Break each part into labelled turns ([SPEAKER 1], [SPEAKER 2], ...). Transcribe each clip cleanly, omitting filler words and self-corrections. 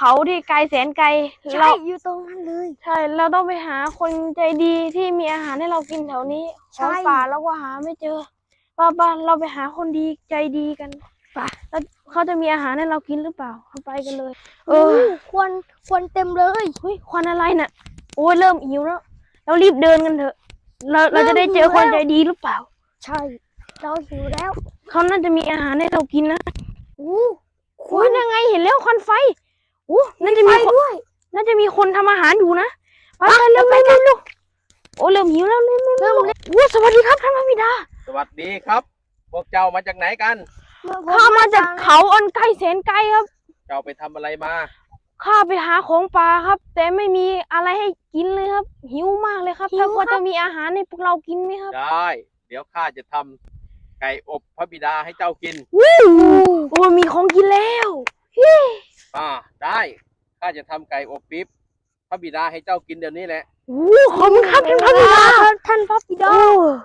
[SPEAKER 1] เขาที่ไกลแสนไกล
[SPEAKER 2] ใช่อยู่ตรงนั้นเลย
[SPEAKER 1] ใช่เราต้องไปหาคนใจดีที่มีอาหารให้เรากินแถวนี้ของป่าเราก็หาไม่เจอป้าเราไปหาคนดีใจดีกันป่ะแล้วเขาจะมีอาหารให้เรากินหรือเปล่าเราไปกันเลย
[SPEAKER 2] ควันเต็มเลย
[SPEAKER 1] เฮ้ยควันอะไรน่ะโอ้ยเริ่มหิวแล้วเรารีบเดินกันเถอะเราจะได้เจอคนใจดีหรือเปล่า
[SPEAKER 2] ใช่เราหิวแล้ว
[SPEAKER 1] เขาน่าจะมีอาหารให้เรากินนะ
[SPEAKER 2] ควัน
[SPEAKER 1] ยังไงเห็นแล้วควันไฟน่าจะมี
[SPEAKER 2] ด้วย
[SPEAKER 1] น่าจะมีคนทำอาหารอยู่นะไปเร็วโอ้เริ่มหิวแล้วเริ่มสวัสดีครับท่านพระบิดา
[SPEAKER 3] สวัสดีครับ พวกเจ้ามาจากไหนกัน
[SPEAKER 1] ข้ามาจากเขาอันไกลแสนไกลครับ
[SPEAKER 3] เจ้าไปทำอะไรมา
[SPEAKER 1] ข้าไปหาของป่าครับแต่ไม่มีอะไรให้กินเลยครับหิวมากเลยครับถ้าพอจะมีอาหารให้พวกเรากินไหมครับ
[SPEAKER 3] ได้เดี๋ยวข้าจะทำไก่อบพระบิดาให้เจ้ากิน
[SPEAKER 1] โอ้มีของกินแล้ว
[SPEAKER 3] ได้ข้าจะทำไก่อบปิ๊บพระบิดาให้เจ้ากินเดี๋ยวนี้แหละ
[SPEAKER 1] ขอบคุณครับท่านพระบิดา
[SPEAKER 2] ท่านพระบิดา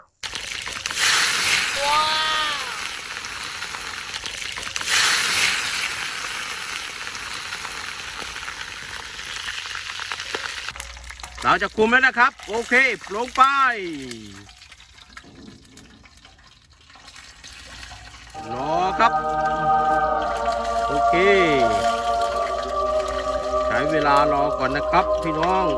[SPEAKER 3] เราจะคุมแล้วนะครับโอเคลงไปรอครับโอเคใช้เวลารอก่อนนะครับพี่น้อง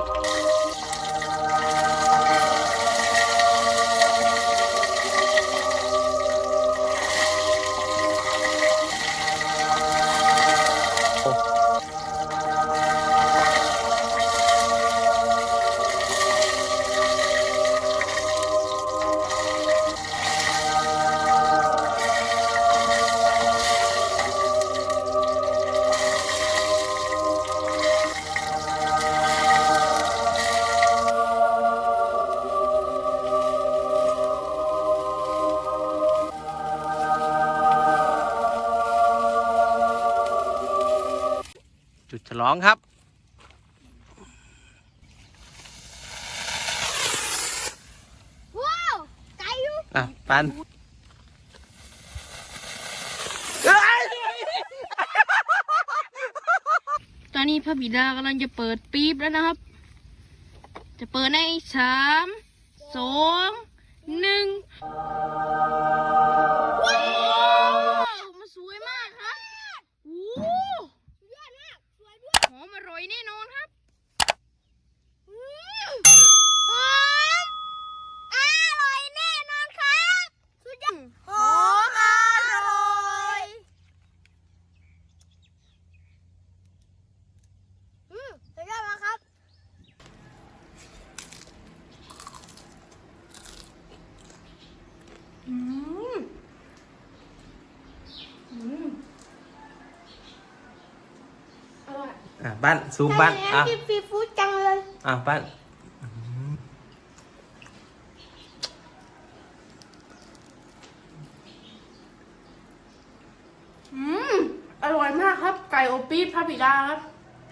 [SPEAKER 3] จุดฉลองครับ
[SPEAKER 2] ว้าวไก่อยู่
[SPEAKER 3] ปัน
[SPEAKER 1] ตอนนี้พระบิดากำลังจะเปิดปี๊บแล้วนะครับจะเปิดใน3 2 1ว้าวมันสวยมากครับหอมอร่อยแน่นอนครับ
[SPEAKER 2] หอมอร่อยแน่นอนครับสุดยอดหอมอร่อยสุดยอดมากครับ
[SPEAKER 3] บ้านซูมบ้าน
[SPEAKER 2] กินฟรีฟู้ดจังเลย
[SPEAKER 3] บ้าน
[SPEAKER 1] อร่อยมากครับไก่อบปี๊บพระบิดาครับ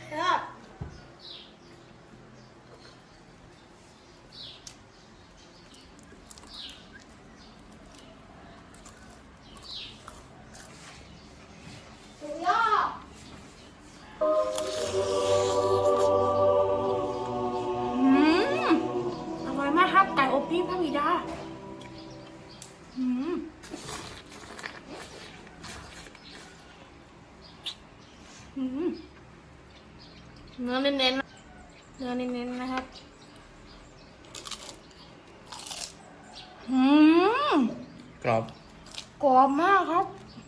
[SPEAKER 1] อร่อยมากครับไก่อบปี๊บพระบิดาเนื้อเน้นๆนะครับ
[SPEAKER 3] กรอบ
[SPEAKER 1] กรอบมากครับ